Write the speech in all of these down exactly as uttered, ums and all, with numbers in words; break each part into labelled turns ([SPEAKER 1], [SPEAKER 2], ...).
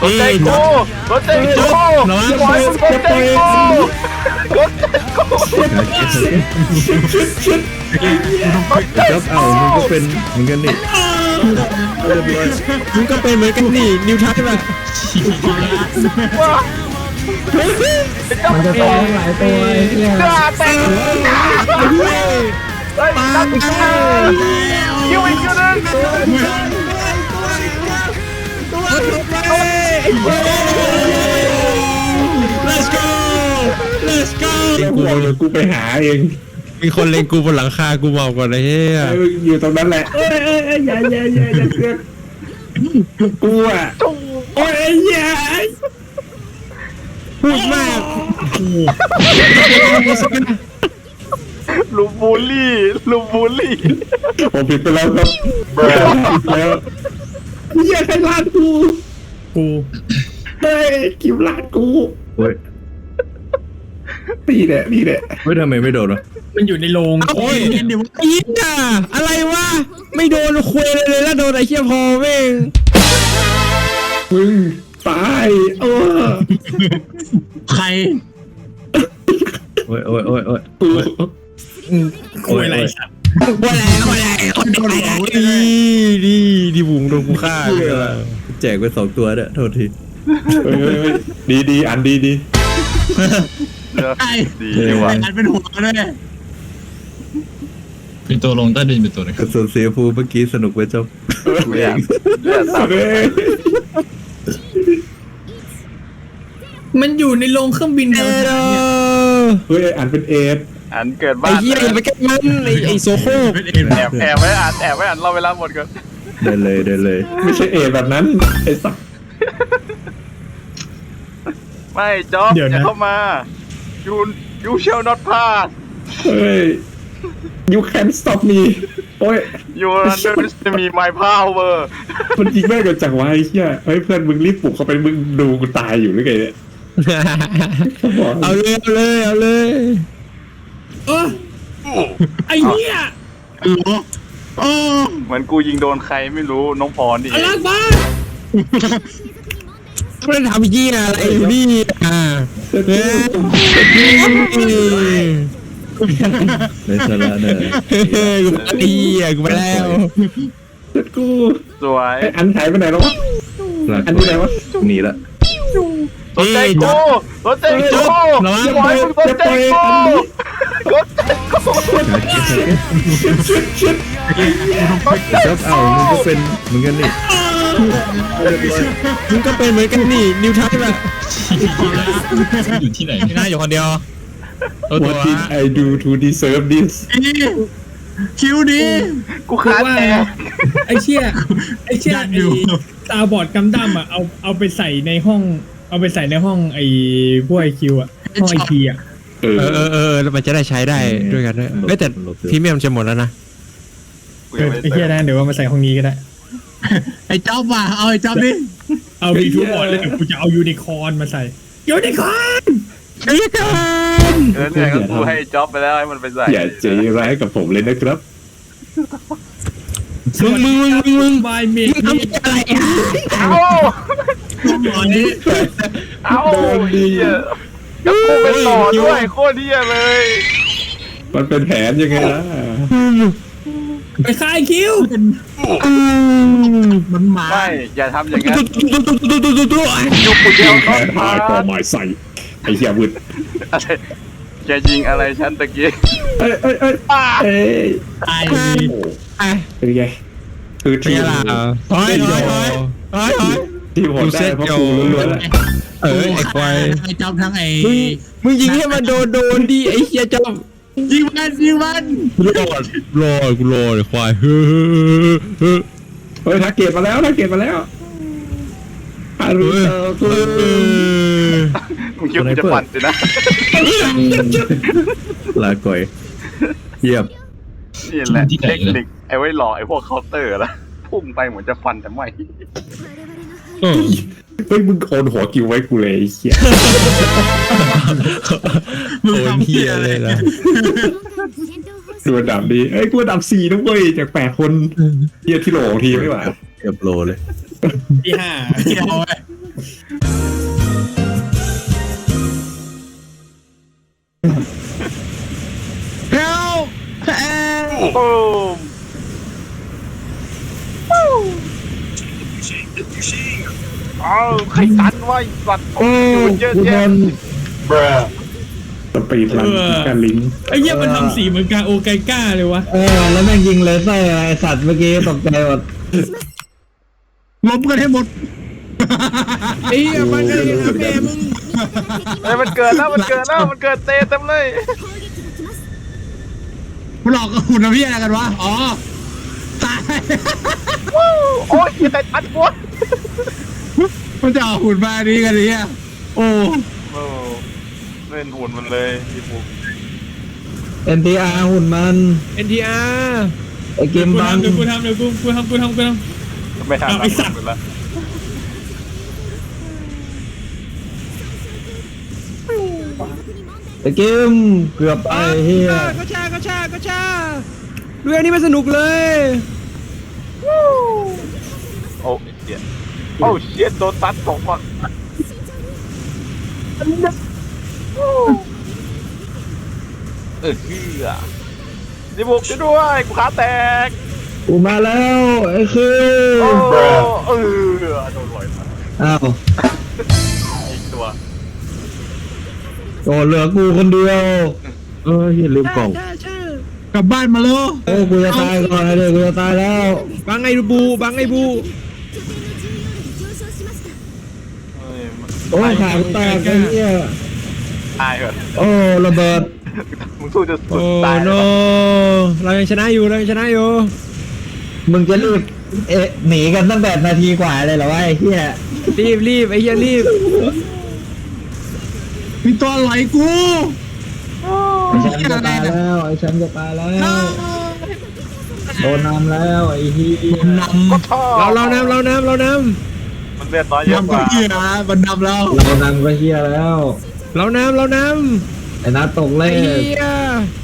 [SPEAKER 1] สนใจกูสนใจกูปล่อยมึงสนใจกูสนใจกู
[SPEAKER 2] จ๊อบเอามึงก็เป็นเหมือนกันนี่เรียบร้อย
[SPEAKER 3] มึงก็เป็นเหมือนกันนี่นิวทัศน์แบบ
[SPEAKER 4] มันจะฟ้องหลายตัวไอ้เนี่ย
[SPEAKER 1] ด่าแต่งเฮ้ยตั้งใจคิวอีกคิวนึง
[SPEAKER 3] let's go let's go
[SPEAKER 2] กูเอาเลยกูไปหาเอง
[SPEAKER 3] มีคนเล็งกูบนหลังคากูเมาก่อนเลยเฮีย
[SPEAKER 2] ไอ้มึงอยู่ตรงนั้นแหละเอ้ยเอ้ยเอ้ยอย่าอย่าอย่าอย่าเสือกกูอ่ะโอ้ยไอ้เหี้ย
[SPEAKER 3] พูดมาก
[SPEAKER 1] ลูบูลลี่ลูบูลลี่
[SPEAKER 2] ผมผิดไปแล้วครับแล้วเหี้ยใครลาดกู
[SPEAKER 3] กู
[SPEAKER 2] เฮ้ยคิวลาดกูเฮ้ยนี่แหละนี่แหละเฮ้ยทำไมไม่โดนวะ
[SPEAKER 4] มันอยู่ในโรง
[SPEAKER 3] โอ้ยไอ้ยิงอ่ะอะไรวะไม่โดนคุยเลยเลยแล้วโดนไอ้เชี่ยพอแม่ง
[SPEAKER 2] มึงตายเออ
[SPEAKER 4] ใคร
[SPEAKER 2] โอ้ยโอ้ยโอ้ยโอ้ยกู
[SPEAKER 4] คุยอะไรสัตว์
[SPEAKER 3] ว่าแล้วว่าแล้วคนโดนหัวดีดีดีบุ๋งโดนกูฆ่าแจกไปสองตัวเนี่ยโทษที
[SPEAKER 2] เฮ้ยเฮ้ยเฮ้ยดีดีอันดีดี
[SPEAKER 4] ไอ้
[SPEAKER 1] ดีว่ะ
[SPEAKER 4] อันเป็นหัวด้วย
[SPEAKER 5] เป็นตัวลงใต้ดินเป็นตัวหนึง
[SPEAKER 2] กระสุนเสียฟูเมื่อกี้สนุกไปจบ
[SPEAKER 1] เลือดเลือดตับ
[SPEAKER 2] เฮ้ย
[SPEAKER 4] มันอยู่ในโรงเครื่องบิน
[SPEAKER 3] เอ
[SPEAKER 4] เนี่ย
[SPEAKER 3] อ
[SPEAKER 2] เฮ้ยอันเป็นเอส
[SPEAKER 1] อันเกิด
[SPEAKER 3] ไอ้
[SPEAKER 1] บ้าน
[SPEAKER 3] เหี้ยอย่าไปใกล้มันไอ้ไอ้โซโคก
[SPEAKER 1] แอบแอบไว้อ่านแอบไว้อ่านเราเวลาหมดก่อน
[SPEAKER 2] ได้เลยได้เลย ไม่ใช่เอสแบบนั้นไอ้สัก
[SPEAKER 1] ไม่จ๊อบอย่าเข้ามายูยูเชลน็อตพาส
[SPEAKER 2] เฮ้ย you can stop me โอ้ย
[SPEAKER 1] ยูรันเดอร์จะมีไมค์พาวเวอร์
[SPEAKER 2] มันยิงแม่งกันจังวะไอ้เหี้ยเฮ้ยเพื่อนมึงรีบปลุกเข้าไปมึงดูกูตายอยู่หรือไงเนี่ย
[SPEAKER 3] เอาเลยเอาเลยเอาเลย
[SPEAKER 4] เออไอ้เนี่ย
[SPEAKER 1] เหมือนกูยิงโดนใครไม่รู้น้องพรนี่เอ
[SPEAKER 4] อะไร
[SPEAKER 1] ง
[SPEAKER 4] บ้า
[SPEAKER 3] ไม่ได้ทำเหี้ยอะไรอยู่นี่อ่าเฮ้ย
[SPEAKER 2] ในสาระเนี่ย
[SPEAKER 3] เฮ้ยกูไปเหี้ยกูไปแล้ว
[SPEAKER 2] เด็ดกู
[SPEAKER 1] สวย
[SPEAKER 2] ไอ้อันหายไปไหนแล้ววะอันที่ไหนวะหนีละ
[SPEAKER 1] สนใจกูสนใจกูปล่อยมึงสนใจกูสนใจกู
[SPEAKER 2] จ๊อบเอามึงก็เป็นเหมือนกันนี่
[SPEAKER 3] มึงก็เป็นเหมือนกันนี่นิวทัศน์แบบ
[SPEAKER 5] อยู่ที่ไหน
[SPEAKER 3] ที่น่าอยู่คนเดียวตัวตัว
[SPEAKER 2] What did I do to deserve this
[SPEAKER 4] คิวดี
[SPEAKER 1] กูขาดแตก
[SPEAKER 4] ไอ้เชี่ยไอ้เชี่ยไอ้ตาบอดกำดั้มอ่ะเอาเอาไปใส่ในห้อง เอาไปใส่ในห้องไอ้พวกไอคิวอ่ะห้องไอทีอ่ะ
[SPEAKER 2] เออ
[SPEAKER 3] เออเออเออแล้วมันจะได้ใช้ได้ด้วยกันด้วยเอ้ยแต่พรีเมียมจะหมดแล้วนะ
[SPEAKER 1] กู
[SPEAKER 4] เอ
[SPEAKER 1] ยัง
[SPEAKER 4] อ
[SPEAKER 1] ไม่
[SPEAKER 4] ไอ้เชี่ยนะเดี๋ยวว่ามาใส่ห้องนี้ก็ได้
[SPEAKER 6] ไอ้จ๊อบว่ะเอาไอ้จ๊อบดิ
[SPEAKER 4] เอาบีทูบอร์ดแล้วเดี๋ยวกูจะเอายูนิคอร์นมาใส่ยูนิคอร์น
[SPEAKER 3] เอ้ยกัน
[SPEAKER 1] เออเนี่ยก็กูให้จ็อบไปแล้วให้มันไปใส่
[SPEAKER 2] อย่าใจร้ายกับผมเลยนะครับ
[SPEAKER 3] มึงมึงมึงมึงมึง
[SPEAKER 4] บายเม
[SPEAKER 3] มึงทำอะไรอ่ะ
[SPEAKER 1] เอา
[SPEAKER 6] หมอนี้
[SPEAKER 1] เอาเฮียกับกูเป็นหล่อด้วยโคตรเฮียเลย
[SPEAKER 2] มันเป็นแผนยังไงล่ะ
[SPEAKER 4] ไปคายคิว
[SPEAKER 6] มันหมา
[SPEAKER 1] ไม่อย่าทำอย่างนั้น
[SPEAKER 3] ตุ๊ตุ๊ตุ๊ตุ๊ตุ๊ตุ๊ตุ๊
[SPEAKER 1] ยุคกูเดียว
[SPEAKER 2] แผ
[SPEAKER 1] น็อต
[SPEAKER 2] น
[SPEAKER 1] พา
[SPEAKER 2] หายก็หมายใส่ไอ้เหี้ยวุด
[SPEAKER 1] อะไรแกยิงอะไรฉันตะกี้
[SPEAKER 2] เอ้ยเอ้ยเอ้ยเอ้ย
[SPEAKER 6] ตาย
[SPEAKER 2] โอ้โห
[SPEAKER 3] ไอ้
[SPEAKER 2] เป็นไงคือ
[SPEAKER 3] เป็
[SPEAKER 2] ที
[SPEAKER 3] น
[SPEAKER 2] ม
[SPEAKER 3] ไงล่ะถอยถอยถอยถอยถอย
[SPEAKER 2] ทีมผมได้เพราะกูล้วนๆแหละ
[SPEAKER 3] เออไอ้ควาย
[SPEAKER 6] ไอ้จ๊อบทั้งไอ้
[SPEAKER 3] มึงมึงยิงให้มันโดนโดนดิไอ้เหี้ยจอม
[SPEAKER 6] ยิงมันยิงมัน
[SPEAKER 3] รอดรอดกูรอดไอ้ควายเฮ้อเฮ้อ
[SPEAKER 2] เฮ้ยทักเกตมาแล้วทักเกตมาแล้วฮารุโตะคุ
[SPEAKER 3] เออ
[SPEAKER 1] มึงคิดว่าจะปั่นสินะ
[SPEAKER 2] ลาก่อยเยี่ยม
[SPEAKER 1] นี่แหละเทคนิคไอ้ไว้หล่อไอ้พวกเคาน์เตอร์ละพุ่งไปเหมือนจะฟันแต่ไม่
[SPEAKER 3] เออ
[SPEAKER 2] เฮ้ยมึงโอนหัวกิวไว้กูเลยไอ้เหี้ย
[SPEAKER 3] โอ้ยเหี้ยเลยล่ะ
[SPEAKER 2] ดูอันดับดีเอ้ยกูอันดับสี่นะเว้ยจากแปดคนเหี้ยที่โหลของทีมไม่หว่าเกือบโลเลย
[SPEAKER 4] ที่ห้า
[SPEAKER 6] เกี่ยวไว้
[SPEAKER 2] ก
[SPEAKER 6] เฮลเอ
[SPEAKER 1] โอ้เอาใครตันไว้สัตว์
[SPEAKER 2] โอ้
[SPEAKER 1] เยอะ
[SPEAKER 2] กูโด
[SPEAKER 1] แยะ
[SPEAKER 2] น
[SPEAKER 3] สปีดรันการลิงก์
[SPEAKER 4] ไอ้เหี้ยมันทำสีเหมือนกาโอไกก้าเลยวะ
[SPEAKER 2] เออแล้วแม่งยิงเลเซอร์ไอสัตว์เมื่อกี้ตกใจหมด
[SPEAKER 6] ล้มกันให้หมด
[SPEAKER 4] ไอ้เหี้ยมันก็เลยทำแม่มึง
[SPEAKER 1] เอ้ยมันเกิดแล้วมันเกิดแล้วมันเกิดเตะเต็มเลย
[SPEAKER 6] มันหลอกกับหุ่นนะพี่อะไรกันวะอ๋อตาย
[SPEAKER 1] วู้โอ้ยใครตันกู
[SPEAKER 6] มันจะเอาหุ่นมาดีกันเนี่ยโอ้
[SPEAKER 1] โอ้เล่นหุ่นมันเลยพี่ปุ๊ก
[SPEAKER 2] เอ็นทีอาร์หุ่นมัน
[SPEAKER 4] เอ็นทีอาร์
[SPEAKER 2] ไอเกม
[SPEAKER 4] กู
[SPEAKER 2] บัง
[SPEAKER 4] ทำเดี๋ยวกูทำเดี๋ยวกูกูทำกูทำกูทำ
[SPEAKER 1] ไม่ทัน
[SPEAKER 4] เอาไอ้สัตว์
[SPEAKER 1] ไปแล้ว
[SPEAKER 2] ไอเกมเกือบไปเฮีย
[SPEAKER 4] ก็ชาก็ชาก็ชาดูอันนี้มันสนุกเลย
[SPEAKER 1] โอ้เชี่ยโอ้เชี่ยโดนตัดสองฝั่งเออเฮือพี่ปุ๊กช่วยด้วยกูขาแตก
[SPEAKER 2] กูมาแล้วไอคือ
[SPEAKER 1] โอ้เออโดนลอยมา
[SPEAKER 2] อ้าว
[SPEAKER 1] อีกตัว
[SPEAKER 2] โอ้เหลือกูคนเดียว
[SPEAKER 3] เอออย่าลืมกล่อง
[SPEAKER 6] กลับบ้านมาเลย
[SPEAKER 2] โอ้กูจะตายก่อนนะเด็กกูจะตายแล้ว
[SPEAKER 4] บังไอ้บูบังไอ้บู
[SPEAKER 1] เอ้ยมัน
[SPEAKER 2] โอ้ขากูแตกไอ้เหี้ย
[SPEAKER 1] ตายเหรอ
[SPEAKER 2] โอ้ระเบิด
[SPEAKER 1] มึงสู้จะสุ
[SPEAKER 4] โอ้
[SPEAKER 1] ดตาย
[SPEAKER 4] โนเรายังชนะอยู่เรายังชนะอยู่
[SPEAKER 2] มึงจะรีบเอะหนีกันตั้งแต่นาทีกว่าเลยเหรอวะไอ้เหี้ย
[SPEAKER 4] รีบรีบไอ้เหี้ยรีบ
[SPEAKER 6] มีตัวไหลกู
[SPEAKER 2] ไอ้แชมป์จะตายแล้วไอ้แชมป์จะตายแล้วโดนนำแล้วไอ้เหี้ย
[SPEAKER 6] นำ
[SPEAKER 1] ก็ชอบ
[SPEAKER 4] เราเรานำเรานำเราน
[SPEAKER 1] มันเลือดน้อยเยอะ
[SPEAKER 6] นำ
[SPEAKER 1] ก
[SPEAKER 6] ก็
[SPEAKER 1] ว่า
[SPEAKER 6] เหี้ยนะมันนำแล้ว
[SPEAKER 2] เรานำก็เหี้ยแล้ว
[SPEAKER 4] ำเรานำเราน
[SPEAKER 2] ไอ้นัดตก
[SPEAKER 4] ำ
[SPEAKER 2] เล
[SPEAKER 4] ไอ้
[SPEAKER 2] ย
[SPEAKER 4] เหี้ย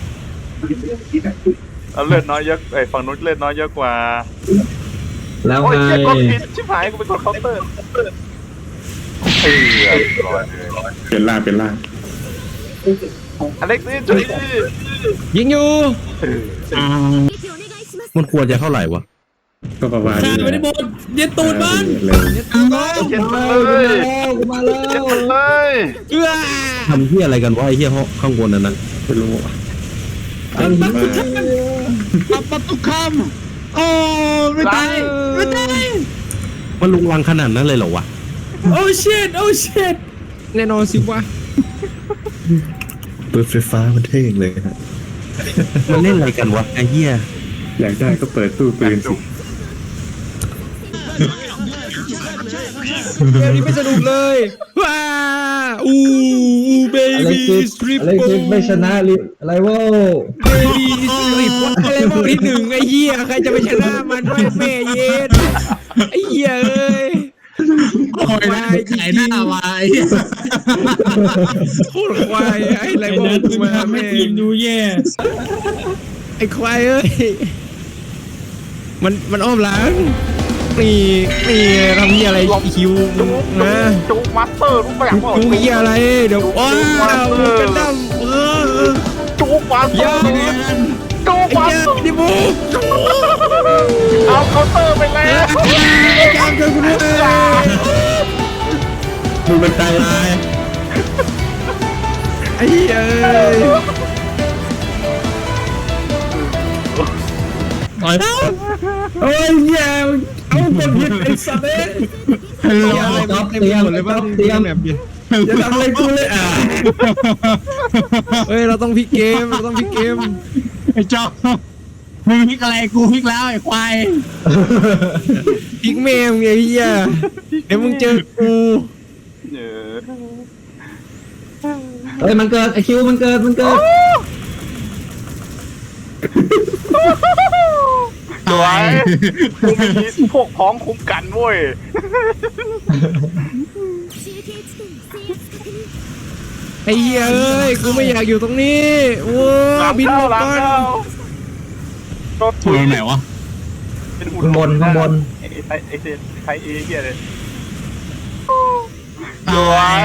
[SPEAKER 1] เอาเลือดน้อยเยอะไอ้ฝั่งนู้นเลือดน้อยเยอะกว่า
[SPEAKER 2] แล้ว
[SPEAKER 1] โอ้ย
[SPEAKER 2] ไง
[SPEAKER 1] เชี่ยกดผิดชิบหายกูเป็นกดเคาน์เตอร์เออร้อยเลย
[SPEAKER 3] เป็นล่างเป็นล่าง
[SPEAKER 1] อเล็กซี่จุ๊ย
[SPEAKER 4] ยิงอยู่
[SPEAKER 6] อ่า
[SPEAKER 3] มันควรจะเท่าไหร่วะก็ประมาณ
[SPEAKER 4] ฆ่า
[SPEAKER 3] นี้
[SPEAKER 4] ไม่ได้บดเย็ดตูดมัน
[SPEAKER 3] เร็ว
[SPEAKER 1] เจ็ดมันเลย
[SPEAKER 2] กูมาแล้ว
[SPEAKER 1] เจ็ดมันเลย
[SPEAKER 4] เอื้อ
[SPEAKER 3] ทำที่อะไรกันวะไอ้เหี้ยห้องข้างบนนั้นนะไม่รู้
[SPEAKER 2] ไอ้เหี้ย
[SPEAKER 6] ปับปับทุกคำโอ้ไม่ตายไม่ตาย
[SPEAKER 3] มันลุงลังขนาดนั้นเลยเหรอวะ
[SPEAKER 4] โอ้ชิตโอ้ชิตแน่นอนสิวะ
[SPEAKER 3] ปืนไฟฟ้ามันเท่งเลยฮะมันเล่นอะไรกันวะไอ้เหี้ยอยากได้ก็เปิดตู้ปืนสิ
[SPEAKER 4] เกมนี้ไม่สนุกเลยว้าอู้อู้เบ
[SPEAKER 2] อะไร
[SPEAKER 4] บี้
[SPEAKER 2] คิด
[SPEAKER 4] สตริป
[SPEAKER 2] อะไร
[SPEAKER 4] โป
[SPEAKER 2] คิดไม่ชนะลิอะไรวะ
[SPEAKER 4] เบบี้สตริปอะไรพวกที่หนึ่งไอ้เหี้ยใครจะไปชนะมันไม่แม่เย็นไอ้เหี้ยเอ้ย
[SPEAKER 6] โอ้ยนะไอ้หน้ามาไอ้เหี้ย
[SPEAKER 4] โคตรควายไอ้ไรพวกมึงมาแม่ทีมดูแย่ไอ้ควายเอ้ยมันมันอ้อมหลังนี่นี่ทำเหี้ยอะไรคิวนะ
[SPEAKER 1] จูมาสเตอร์รู้ปะอยากบอก
[SPEAKER 4] จูเหี้ยอะไรเดี๋ยวว้าวกันดั้มเออ
[SPEAKER 1] จูมาสเตอ
[SPEAKER 4] อย่า
[SPEAKER 1] ร์จู
[SPEAKER 4] ไอ้
[SPEAKER 1] มาส
[SPEAKER 4] เจ้า
[SPEAKER 1] เตอร์
[SPEAKER 4] ดิบู
[SPEAKER 1] เอาเคาน์เตอร์ไปแล้ว
[SPEAKER 4] ไอ้เจ้าเจอกูด้วย
[SPEAKER 3] มึงเป็นตายลาย
[SPEAKER 4] ไอ้เหี้ยเอ้ย
[SPEAKER 6] ต่อย
[SPEAKER 2] เฮ้ยเหี้ย
[SPEAKER 4] เอาคนผิดไอ้สัตว์เอ้ย
[SPEAKER 6] ฮัลโหล
[SPEAKER 2] จ๊อบเตรียมจ๊อบเตรียม
[SPEAKER 4] แบบเดียว
[SPEAKER 2] จะทำอะไรกูเลยอ่ะ
[SPEAKER 4] เฮ้ยเราต้องพลิกเกมเราต้องพลิกเกม
[SPEAKER 6] ไอ้จอมมึงพลิกอะไรกูพลิกแล้วไอ้ควาย
[SPEAKER 4] พลิกแม่มึงไอ้เหี้ยเดี๋ยวมึงเจอกู
[SPEAKER 1] เออ
[SPEAKER 2] เฮ้ยมันเกิดไอคิวมันเกิดมันเกิด
[SPEAKER 1] สวยกูมีพวกพ้องคุ้มกันเว้ย
[SPEAKER 4] ไอ้เหี้ยเอ้ยกูไม่อยากอยู่ตรงนี้โว้
[SPEAKER 1] หลัง
[SPEAKER 4] บิน
[SPEAKER 1] เข้า
[SPEAKER 4] หลบ
[SPEAKER 1] หลัง
[SPEAKER 4] ก่อน
[SPEAKER 1] เข้าก็
[SPEAKER 6] ตัวไหนวะ
[SPEAKER 1] เป็นหุ่น
[SPEAKER 2] ข้างบนข้างบน
[SPEAKER 1] ไอ้ไอ้ไอ้เซนใครเอเหี้ยเลยวย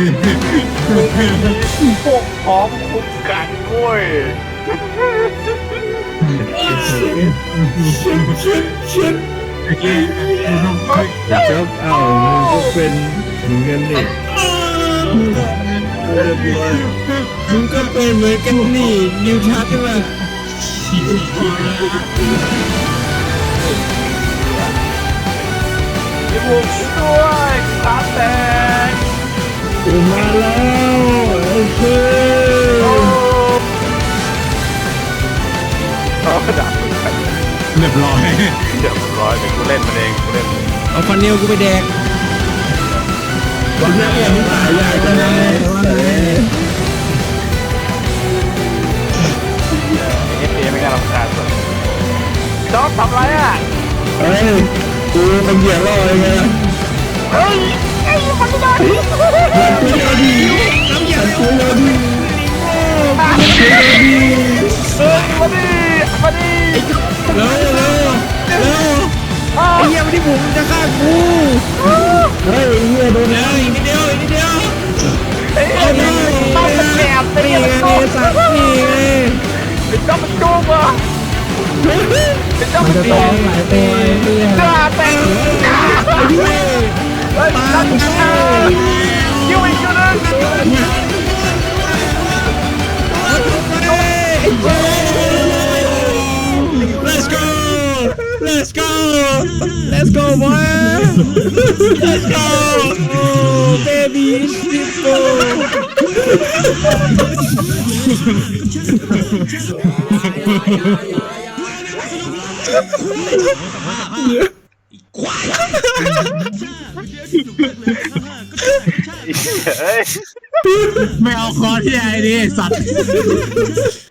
[SPEAKER 1] พวกพร้อมคุ้มกันเว้ย
[SPEAKER 3] จบเอ้ามึงก็เป็นเหมือนกันนี่เรียบร้อย
[SPEAKER 4] มึงก็เป็นเหมือนกันนี่นิวชัดใช่ไหม
[SPEAKER 1] พี่บุกช่วยตาแตก
[SPEAKER 3] กูมาแล้วโอเค
[SPEAKER 1] โอ้เอาดับ
[SPEAKER 6] เรียบร้อย
[SPEAKER 1] เดี๋ยวร้อยเดี๋ยวกูเล่นมันเองกูเล่นมันเอง
[SPEAKER 4] เอาฟันเนลกูไปแดก
[SPEAKER 3] วันนี้มึงตายใหญ่จังเลย
[SPEAKER 1] เอฟเอไม่น่ารำคาญสุดพี่น้องทำไรอ่ะ
[SPEAKER 3] เฮ้ยกูมันเหยียบล่อเลยไง
[SPEAKER 1] เฮ้ยไอ้มันไม่ได้
[SPEAKER 3] มันคุยเราดีมันคุยเราดี
[SPEAKER 1] เออมาดิมาดิ
[SPEAKER 4] เร็วเร็วเร็วไอ้เหี้ยมันที่ผมจะฆ่ากู
[SPEAKER 3] เฮ้ยเฮียโดน
[SPEAKER 4] เร็วอีกนิดเดียวอีกนิดเดียว
[SPEAKER 1] เฮ้ยต้องเป็นแกบเป็น
[SPEAKER 4] นี่
[SPEAKER 1] แก
[SPEAKER 4] ไง
[SPEAKER 1] บต้อง
[SPEAKER 4] สัตว์นี่ไง
[SPEAKER 1] เป็นต้องเป็นจุกอ่ะเป็นต้อง
[SPEAKER 2] มัน
[SPEAKER 1] เป็น
[SPEAKER 2] จะ
[SPEAKER 1] จุ
[SPEAKER 2] ต้อก งหลายตัวไอ้เหี้ย
[SPEAKER 1] จ้าแตงเฮ้ยตั้งชื่อคิวอีกคิวนึง
[SPEAKER 4] Let's go Let's go Let's go boy Let's go oh, baby simple
[SPEAKER 1] เฮ้ย
[SPEAKER 6] ไม่เอาคอที่ไอ้นี่สัตว์